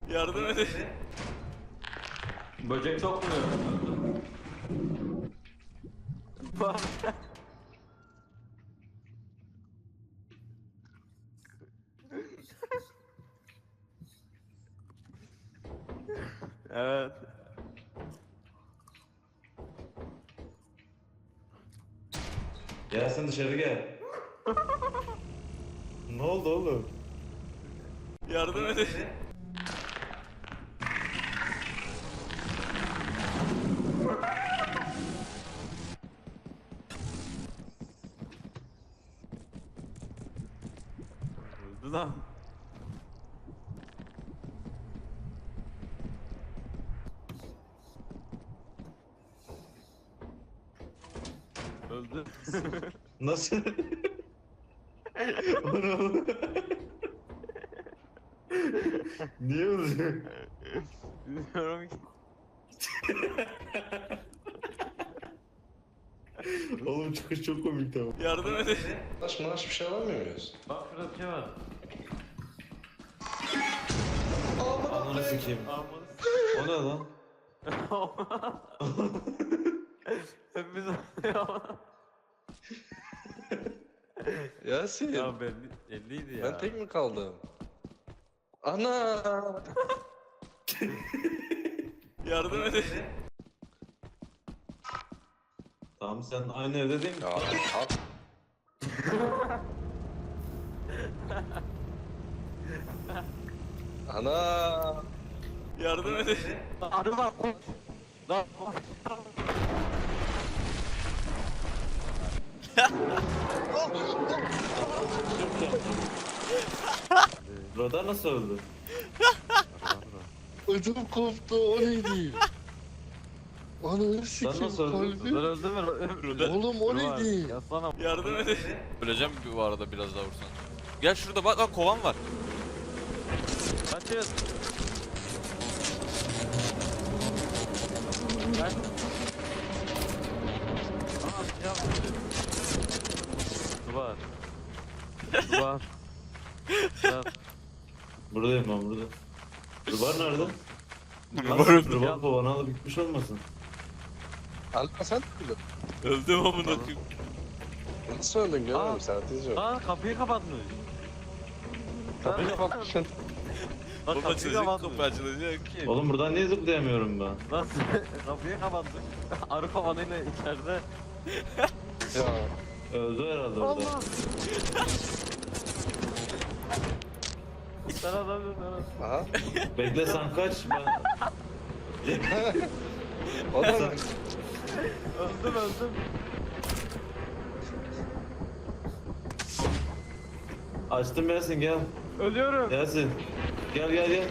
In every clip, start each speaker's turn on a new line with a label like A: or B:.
A: Yardım edin.
B: Böcek sokmuyor. Evet.
C: Gel sen dışarı gel. Ne oldu oğlum?
A: Yardım edin.
B: Öldü lan. Öldü.
C: Nasıl? Onu niye öldü?
B: Bilmiyorum ki.
C: Oğlum çıkış çok komik tamam.
A: Yardım edin.
D: Maaş bir şey alamıyor muyuz?
B: Bak şurada bir şey var.
C: Ananı sikeyim. O ne lan?
B: Hepimiz
D: Yasin.
B: ya belliydi ya.
D: Ben tek mi kaldım? Ana!
A: Yardım edin.
C: Tamam sen aynı evde değil mi?
D: Ya at. Ana!
A: Yardım edin.
B: Arı var. Lan.
C: Radar nasıl öldü?
D: Ödüm koptu, o neydi? Ananı
C: Sen
D: sikeyim
C: nasıl öldün?
D: kalbim.
B: Lan öldü mü?
D: Oğlum o neydi?
B: Yaslanam.
A: Yardım edin. Öleceğim bu arada biraz daha vursan. Gel şurada bak lan kovan var.
B: Kaçın. Kaç. Aa silah vurdu. Duvar. Duvar. Duvar.
C: Buradayım ben burada. Rubar nerede?
A: Rubar
C: Rubar kovanı alıp gitmiş olmasın?
D: Alpa sen mi?
A: Öldüm amına koyayım.
D: Nasıl öldün
B: Aa.
D: görmedim sen atınca.
B: Aa kapıyı kapatmış.
D: Kapıyı kapatmışsın.
B: Lan
A: Baba
B: kapıyı
A: çocuk
B: kapatmış.
A: kapı açılacak ki.
C: Oğlum buradan niye zıplayamıyorum ben?
B: Nasıl? Kapıyı kapatmış. Arı kovanıyla içeride.
D: Ya.
C: Öldü herhalde orada.
B: Allah. Sen adamsın sen.
D: Aha.
C: Bekle sen kaç ben...
D: O da mı?
B: Öldüm.
C: Açtım Yasin gel.
B: Ölüyorum.
C: Yasin. Gel.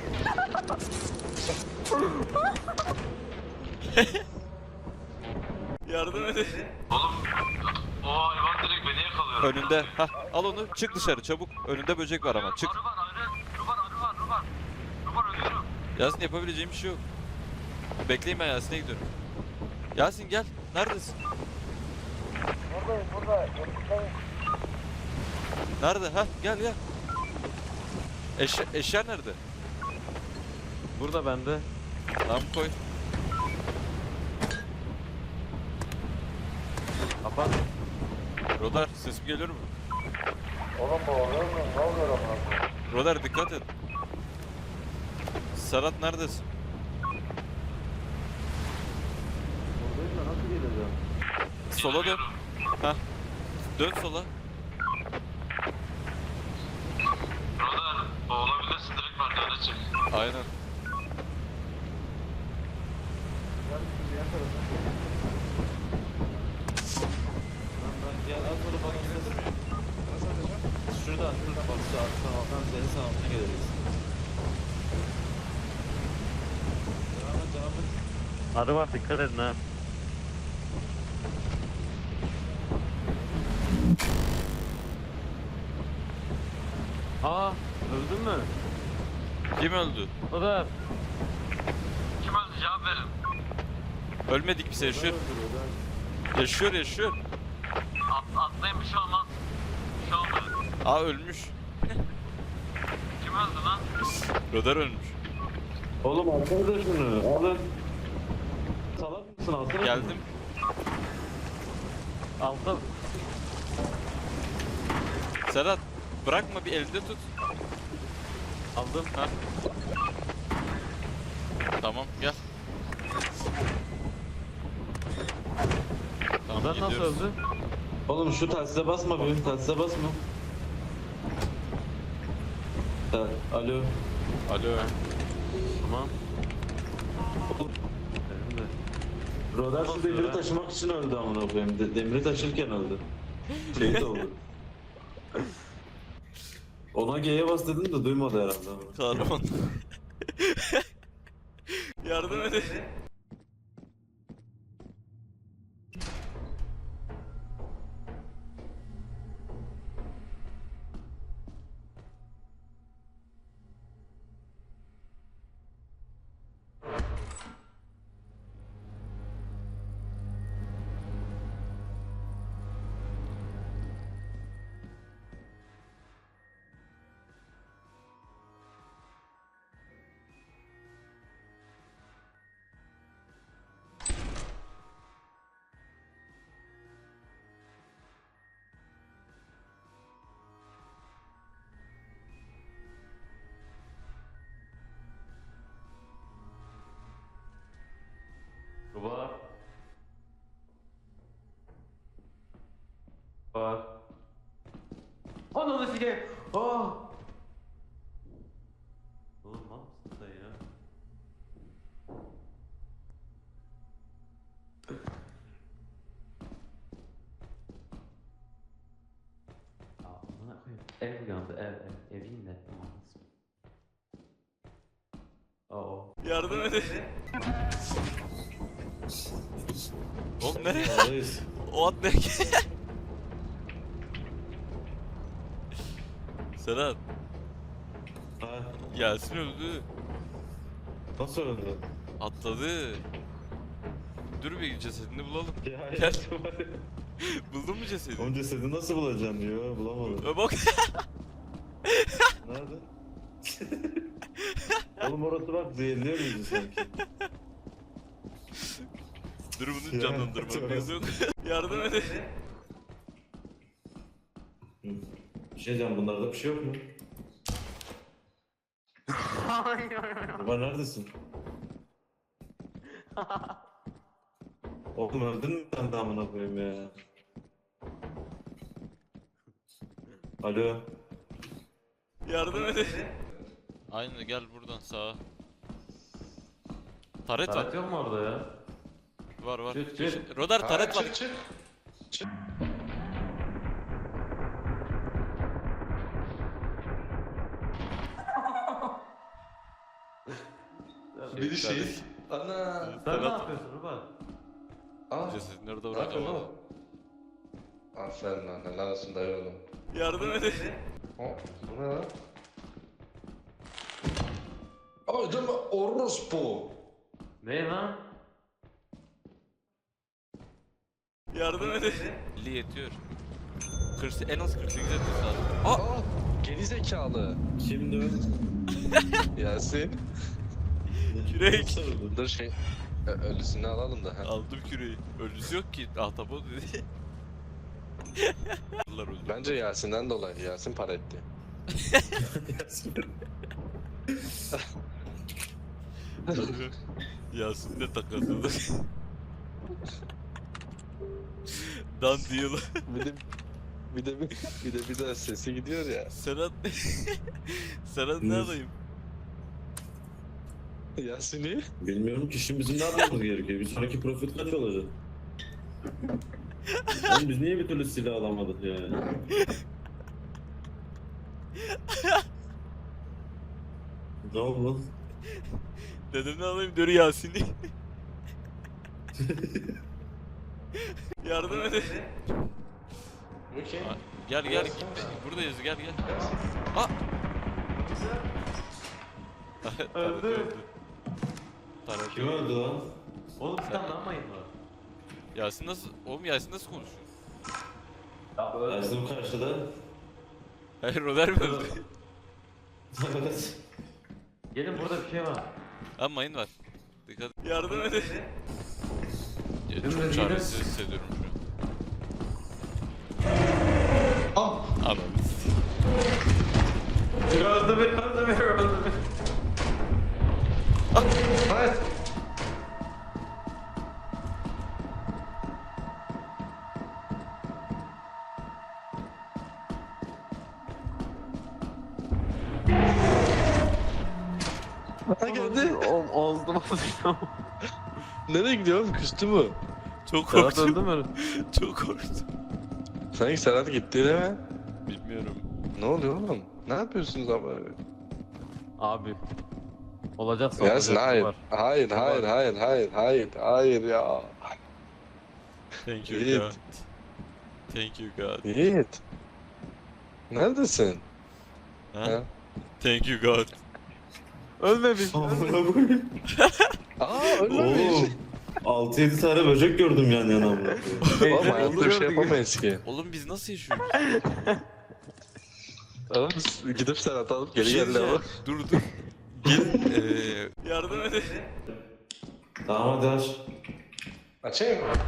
A: Yardım edin.
E: O hayvan direkt beni yakalıyor.
A: Önünde. Hah al onu çık dışarı çabuk. Önünde böcek var ama çık.
E: Arı var, arı. Rubar ölüyorum.
A: Yasin yapabileceğim bir şey yok. Bekleyin ben Yasin'e gidiyorum. Yasin gel. Neredesin?
E: Burada.
A: Nerede? Ha gel. Eşya nerede?
B: Burada bende.
A: Tamam koy.
B: Kapat.
A: Rodar sesim geliyor mu?
E: Oğlum bu oluyor mu? Ne oluyor ama?
A: Rodar dikkat et. Serhat neredesin?
B: Buradayım da nasıl geleceğim?
A: Sola dön. Hah. Dön sola.
E: Rodar, o olabilirsin direkt merdivene çık.
A: Aynen.
C: Gel az sonra bana gidelim. Şuradan bak sağ alttan sağ altına geliriz. Devam et.
B: Arı var dikkat edin ha. Aa öldün mü?
A: Kim öldü?
B: O da.
E: Kim öldü? Cevap verin.
A: Ölmedik biz yaşıyor. Yaşıyor.
E: Atlayın bir şey olmaz. Bir şey olmadı.
A: Aa ölmüş.
E: Kim öldü lan?
A: Rodar ölmüş.
C: Oğlum alsanıza şunu. Alın. Salak mısın? Alsana.
A: Geldim.
B: Altta
A: Serhat bırakma, bir elde tut.
B: aldım.
A: Ha. Tamam gel. Tamam,
B: Ben nasıl
A: gidiyoruz.
B: öldü?
C: Oğlum şu telsize basma benim. Telsize basma. Alo.
A: Alo.
B: Tamam.
C: Oğlum.
B: Benim de.
C: Rodar şu
B: Nasıl
C: demiri
B: ya?
C: taşımak için öldü amına koyayım. Demiri taşırken öldü. Şey de oldu. Ona G'ye bas dedim de duymadı herhalde.
A: Kahraman. Yardım edin.
B: Var. Var. Ananı sikeyim. Aa. Oğlum mal mısın sen ya? Amına koyayım. Ev uyandı, evin de. Aa.
A: Yardım edin. Oğlum nereye?
C: Oradayız.
A: O at ne? Serhat,
C: Ha,
A: Yasin öldü.
C: nasıl öldü?
A: Atladı. Dur bir cesedini bulalım.
C: Ya
A: Gel.
C: hadi.
A: Buldun mu cesedi?
C: Onun cesedi nasıl bulacaksın diyor. Bulamadım.
A: Bak.
C: Nerede? Oğlum orası bak zehirliyor muydu sanki?
A: Dur bunu
C: Ya,
A: canlandırmam
C: tövbe.
A: lazım. Yardım edin.
C: Bir şey diyeceğim, bunlarda bir şey yok mu? Baba neredesin? Oğlum öldün mü sen de amına koyayım ya? Alo.
A: Yardım edin. Aynen, gel buradan sağa. Taret var.
B: Taret yok mu orada ya?
A: Var var.
B: Çık, çık.
A: Rodar taret var.
D: Çık. Bir şey. Ana.
B: Sen ne
A: Taret-
B: yapıyorsun Ruban?
D: Aa.
A: Cesedini orada
D: Ne
A: bırak
D: yapıyorsun
A: ama.
D: oğlum? Aferin lan. Helal olsun dayı oğlum.
A: Yardım edin.
D: Bu ne lan? Ay deme orospu.
B: Ne lan?
A: Yardım edin. 50 yetiyor. 40, en az 48 etmesi lazım. Aa!
D: Aa. Geri zekalı.
C: Kimdi o?
D: Yasin.
A: Kürek.
C: Nasıl öldü?
D: Dur şey. Ölüsünü alalım da. Ha.
A: Aldım küreği. Ölüsü yok ki. Ahtapot dedi. Allah öldü.
D: Bence Yasin'den dolayı. Yasin para etti.
A: Yasin'le takasıldık. Dan deal.
D: Bir de sesi gidiyor ya.
A: Serhat. Serhat ne alayım?
D: Yasin'i.
C: Bilmiyorum ki şimdi bizim ne yapmamız gerekiyor? Bir sonraki profit kaç olacak? Oğlum biz niye bir türlü silah alamadık ya? Ne oldu?
A: Dedim ne alayım diyor Yasin'i. Yardım edin.
D: Okey.
A: Gel gel git. Buradayız, gel gel. Aa! Taret öldü. Taret
C: Kim öldü lan?
B: Oğlum bir tane daha mayın var.
A: Yasin nasıl? Oğlum Yasin nasıl konuşuyor?
B: Ya öyle.
C: Yazdım karşıda.
A: Hayır, Roder mi öldü?
C: Evet.
B: Gelin burada bir şey var.
A: Ha mayın var. Dikkat. Yardım edin. Ya, çok çaresiz hissediyorum şu an. Anam.
B: Öldü beni.
D: Evet. Ha geldi.
B: Oldu.
D: Nereye gidiyorum? Küstü mü?
A: Çok
B: Serhat öldü
A: korktum.
B: mü?
A: Çok korktum.
D: Sanki Serhat gitti değil mi?
A: Bilmiyorum.
D: Ne oluyor oğlum? Ne yapıyorsunuz abi?
B: Abi. Olacaksa
D: Yasin
B: olacak,
D: hayır.
B: var.
D: Hayır, hayır, hayır, hayır, hayır, hayır ya.
A: Thank you
D: Yiğit.
A: God. Thank you God.
D: Yiğit. Neredesin?
A: Ha?
D: Ha?
A: Thank you God.
B: Ölmemiş.
D: Aa ölmemiş.
C: 6-7 tane böcek gördüm yan yana. amına koyayım.
D: Oğlum hayatta bir şey yapamayız ki.
A: Oğlum biz nasıl yaşıyoruz?
D: Oğlum biz gidip Serhat alıp
A: Bir
D: geri
A: şey
D: geldi ama.
A: diyeceğim. Dur. Gelin. Yardım edin.
C: Tamam hadi aç.
D: Açayım mı?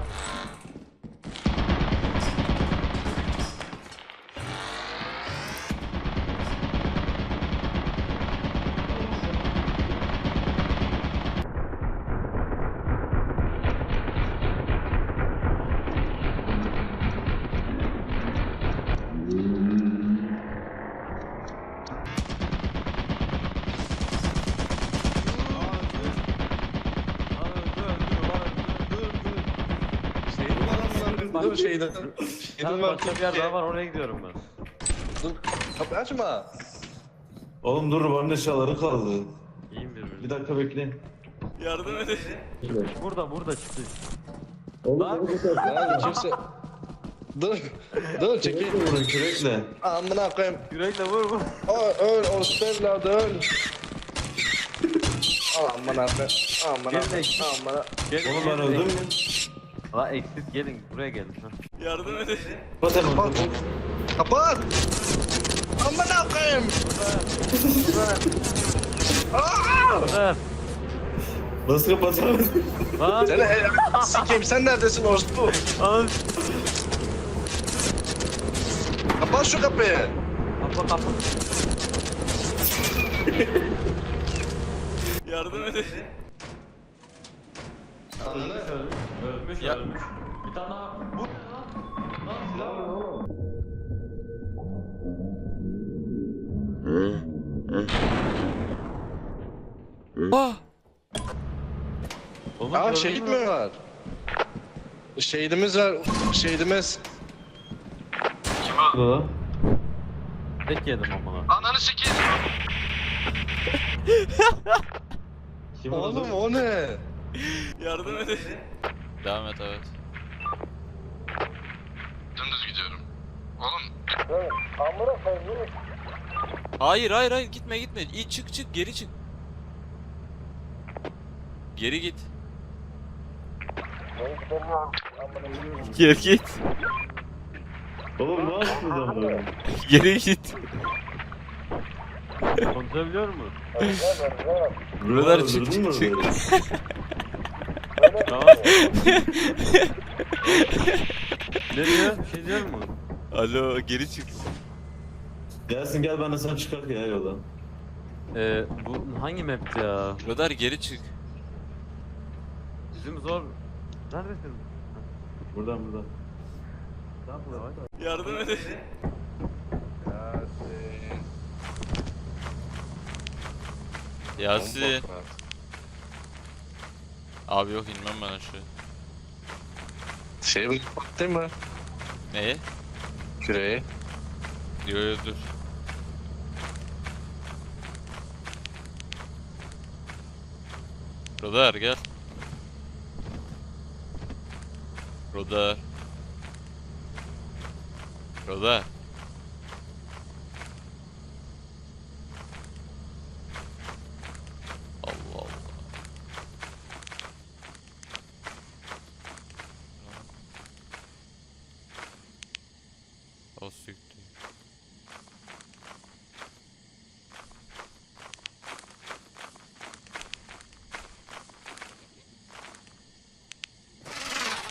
D: Dur şeyden.
B: Tamam, başka bir yer daha var, oraya gidiyorum ben.
D: Dur. Kapıyı açma.
C: Oğlum dur bana eşyaları kaldı.
B: İyiyim
C: Bir
B: birbirine.
C: dakika bekleyin.
A: Yardım edin.
B: Burada çıktı.
D: Lan kimse... Dur. Dur çekil.
C: Vurun kürekle.
D: Amına koyayım.
B: Yürekle vur.
D: Öl orospu evladı öl. Amına koyayım. Amına
B: Gelin.
D: amına.
C: Oğlum ben öldüm mü?
B: La eksik gelin, buraya gelin. Ha.
A: Yardım edin.
C: Kapat hemen.
D: Kapat. Kapat. Amına koyayım.
B: Ver.
C: Nasıl kapatamadım?
B: Lan.
D: Seni sikeyim sen neredesin orospu?
B: Al.
D: Kapat şu kapıyı.
B: Kapı.
A: Yardım edin.
B: Ölmüş.
A: Ya.
B: Bir tane daha. Bu. Lan silah mı?
A: Ah!
B: Oğlum,
D: Aa
B: gördün
D: şehit
B: mü?
D: mi var? Şehidimiz var. Şehidimiz.
E: Kim o?
C: Burada.
B: Tek yedim amına.
E: Ananı sikeyim.
C: Kim
D: Oğlum o ne?
A: Yardım edin. Devam et evet.
E: Dümdüz gidiyorum. Oğlum
A: Hayır gitme. İyi çık geri çık. Geri git. Geri git.
C: Oğlum ne yaptınız amına?
A: Geri git.
B: Konuşabiliyor mu?
A: Buralar
C: Öldürdün
A: çık,
C: mü
A: çık.
C: oraları?
B: Tamam. Ne diyor? Bir şey diyor mu?
A: Alo geri çık.
C: Gelsin gel ben de sen çıkar ya yola.
B: Bu hangi map ya?
A: Radar geri çık.
B: Bizim zor. Neredesin?
C: Buradan.
A: Yardım edin. Yasin. Abi yok inmem ben aşağı.
D: Şey mi? Değil mi?
A: Neye?
D: Küreği.
A: Yo dur. Rodar gel. Rodar. Allah Allah. O siktir.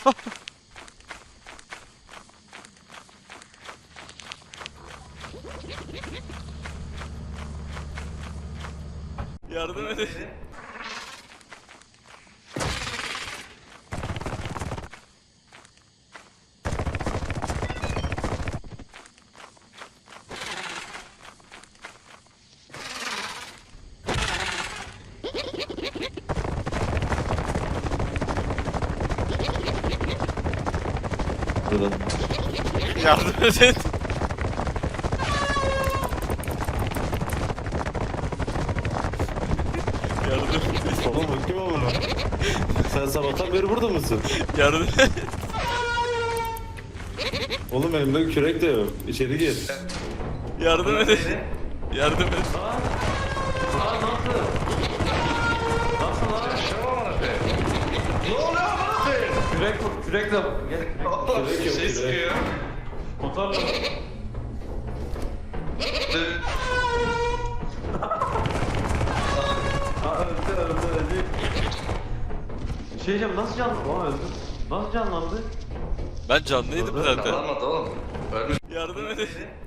A: Yardım edin.
C: Burada.
A: Yardım edin. Yardım edin.
C: Oğlum bu kim ama? Sen sabahtan beri burada mısın?
A: Yardım edin.
C: Oğlum elimde kürek de yok. İçeri gir.
A: Yardım edin. Yardım edin.
B: Kürek de gel.
C: Kürek yok,
D: Şey
C: kürek.
D: sıkıyor.
B: Motorla. Öldü. Bir şey diyeceğim, nasıl canlandı? Oha öldü. Nasıl canlandı?
A: Ben canlıydım zaten.
D: Alamadı oğlum. Ölmüş.
A: Yardım edin.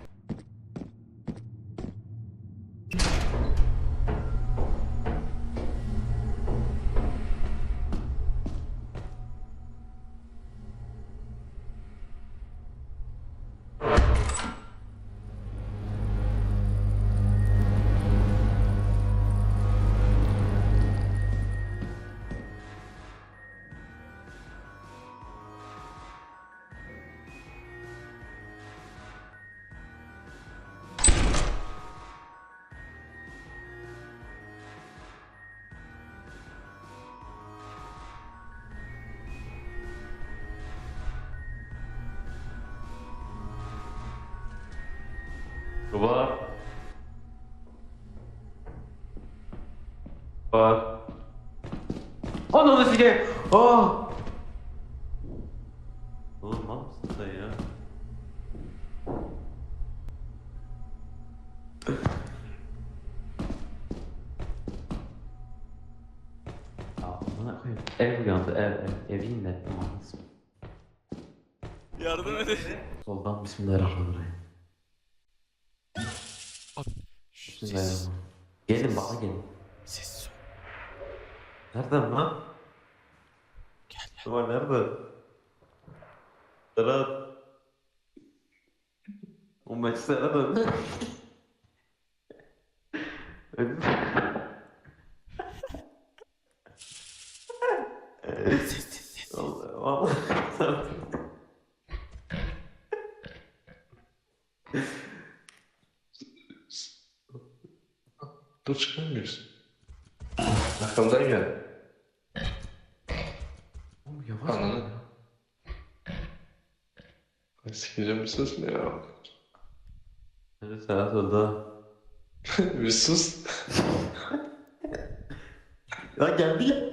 B: Var. Var. Ananı sikeyim. Ah. Oğlum mal mısın sen ya? Amına koyayım. Ev uyandı, evin de.
A: Yardım edin.
B: Soldan bismillahirrahmanirrahim.
A: Sessiz.
B: Bismillahirrahmanirrahim. Gelin bana gelin.
A: Sessiz ol.
B: Nereden lan?
A: Gel gel.
B: Duvar nerede? Serhat. O maç Serhat öldü. Öldü.
A: Sessiz.
B: Vallahi Serhat.
D: Dur çıkamıyorsun. Arkamdan gel.
B: Oğlum yavaş.
D: Ananı. Sikeceğim bir sus ne ya?
B: Evet Serhat öldü ha.
D: Bir sus.
B: Ya geldi ya.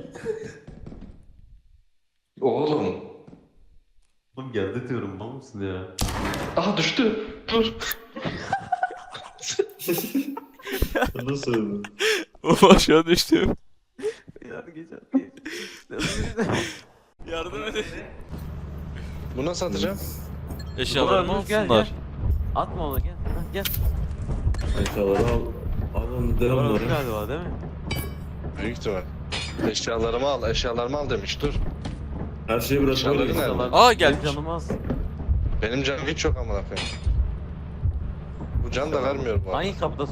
D: Oğlum.
B: Oğlum geldi diyorum mal mısın ya?
D: Aha düştü. Dur.
C: Nasıl öldü?
A: Of aşağı düştüm.
B: Hadi geç.
A: Yardım edin.
D: Bu nasıl atacağım?
A: Eşyalarımı
B: Dur, gel,
A: alsınlar.
B: gel. Atma onu gel. Hah, gel.
C: Eşyaları al. Alın
B: Duvar öldü
C: devamları.
B: galiba değil mi?
D: Büyük ihtimal. Eşyalarımı al demiş. Dur.
C: Her şeyi
D: Eşyaları
C: bırakmalıyız.
D: nerede?
A: Aa, gelmiş.
B: Benim canım az.
D: Benim canım hiç yok amına koyayım. Bu can da vermiyor bu arada.
B: Hangi kapıda?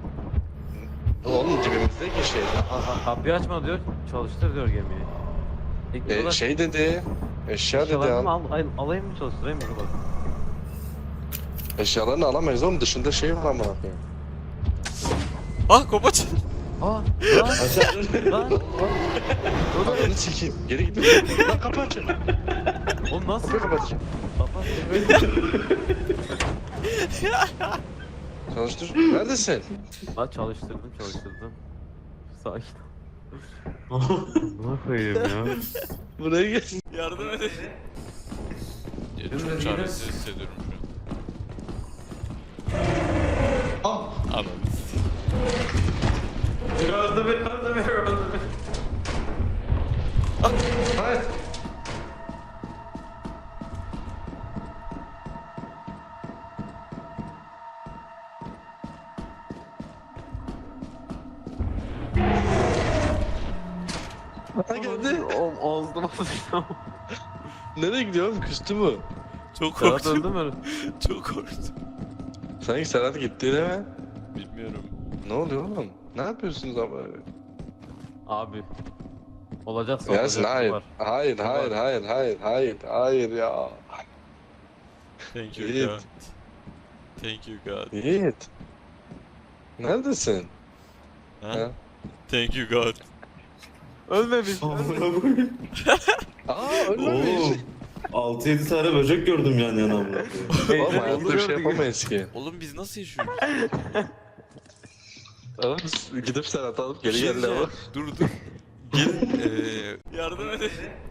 D: Oğlum dibimizdeki şey.
B: Kapıyı açma diyor. Çalıştır diyor gemiyi.
D: Şey dedi. Eşya dedi
B: Eşyalarımı
D: al.
B: alayım mı çalıştırayım mı? Dur bak.
D: Eşyalarını alamayız oğlum dışında şey var amına koyayım.
A: Ah kopaç.
B: Aa lan
C: Aşağı.
B: lan.
D: Ananı sikeyim. Geri gidin. Lan kapı açın.
B: Oğlum nasıl?
D: Kapıyı kapatacağım.
B: Kapat.
D: Çalıştır. Neredesin?
B: Lan çalıştırdım. Sakin ol. Ne koyayım ya?
D: Buraya gel.
A: Yardım edin. Çok çaresiz hissediyorum şu an. Anladım.
B: Öldü beni.
D: Hayır. Ha geldi.
B: Oldu.
D: Nereye gidiyor oğlum? Küstü mü?
A: Çok
B: Serhat öldü
A: korktum.
B: mü?
A: Çok korktum.
D: Sanki Serhat gitti değil mi?
A: Bilmiyorum.
D: Ne oluyor oğlum? Ne yapıyorsunuz ama?
B: Abi. Olacaksa
D: Yasin
B: olacak,
D: hayır.
B: var.
D: Hayır, hayır, hayır, hayır, hayır, hayır ya.
A: Thank you
D: Yiğit.
A: God. Thank you God.
D: Yiğit. Neredesin?
A: Ha?
D: Ha?
A: Thank you God.
B: Ölmemiş.
D: Aa ölmemiş.
C: 6-7 tane böcek gördüm yan yana amına koyayım.
D: Oğlum hayatta bir şey yapamayız ki.
A: Oğlum biz nasıl yaşıyoruz?
D: Oğlum biz gidip Serhat'ı alıp
A: Bir
D: geri
A: şey
D: geldi ama.
A: diyeceğim. Dur dur. Gel. Yardım edin.